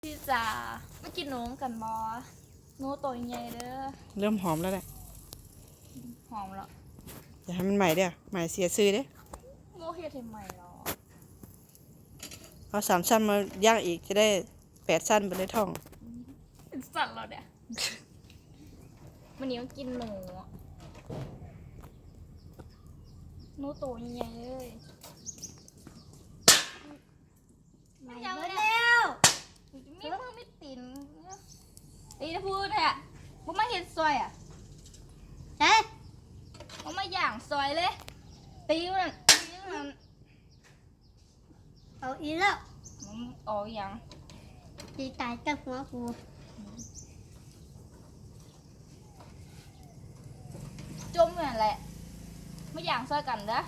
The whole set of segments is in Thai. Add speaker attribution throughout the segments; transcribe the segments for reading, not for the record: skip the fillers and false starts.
Speaker 1: พี่จ๋าไม่กินหนูกันบอหนูตัวใหญ่เด้อ
Speaker 2: เริ่มหอมแล้วแหละ
Speaker 1: หอมแล้ว
Speaker 2: อย่าให้มันใหม่เด้อใหม่เสียซื้อเด้อ
Speaker 1: โมเฮ็ดให้ใหม่หรอ
Speaker 2: เอา3 ชั้นมาย่างอีกจะได้8 ชั้นไปเลยท่อง
Speaker 1: เป็นสัตว์เราเนี่ยวันนี้ก็กินหนูตัวใหญ่เลย
Speaker 3: มาแล้ว
Speaker 1: มีมือไม่ตินตีนะพูดแหละมึงมาเห็ดซอยอ่ะ
Speaker 3: เฮ้ย
Speaker 1: มึงมาย่างซอยเลยตีมัน
Speaker 3: เอาอีกแล้ว
Speaker 1: มึงอ๋ออย่าง
Speaker 3: ตีตายกับหัวกู
Speaker 1: จมเหมือนแหละไม่ย่างซอยกันเด้อ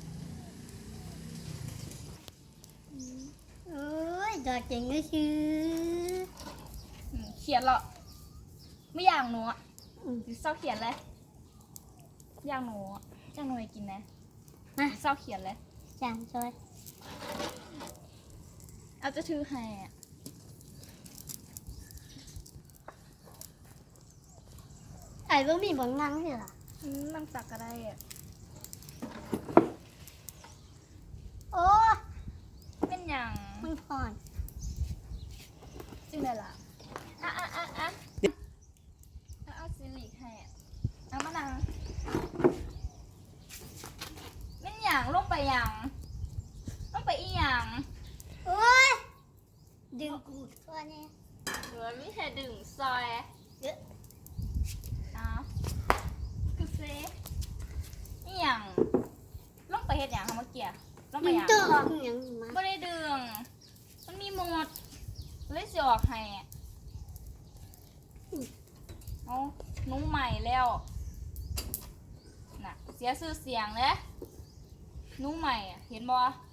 Speaker 3: โอ้ยดอกเจ๋งก็ชื่อ
Speaker 1: เขียนเหรอไม่ย่างหนูอ่ะเศร้าเขียนเลยย่างหนูย่างหนูให้กินนะเศร้าเขียนเลย
Speaker 3: จางซอย
Speaker 1: เอาจะถือให้อ่ะ
Speaker 3: ไอ้บ่มีบ่นั่งเหรอ
Speaker 1: นั่งตักก็ได้อ่ะ
Speaker 3: โอ้
Speaker 1: เป็นอย่าง
Speaker 3: มันพอน
Speaker 1: จริงเลยล่ะเอาซิลิกให้เอามานั่งเป็นอย่างลงไปอย่างลงไปอีอย่าง
Speaker 3: โอ้ยดึงกูตัวนี้
Speaker 1: หรือไม่ใช่ดึงซอยเยอะคือเซ่อีอย่างลงไปเฮ็ดอย่างเมื่อกี้ลงไปอย่าง
Speaker 3: ตัวอย่างมา
Speaker 1: ไม่ได้ดึงมันมีหมดเลยสิออกให้เอานุ่งใหม่แล้วน่ะเสียชื่อเสียงเลยนุ่งใหม่เห็นบ่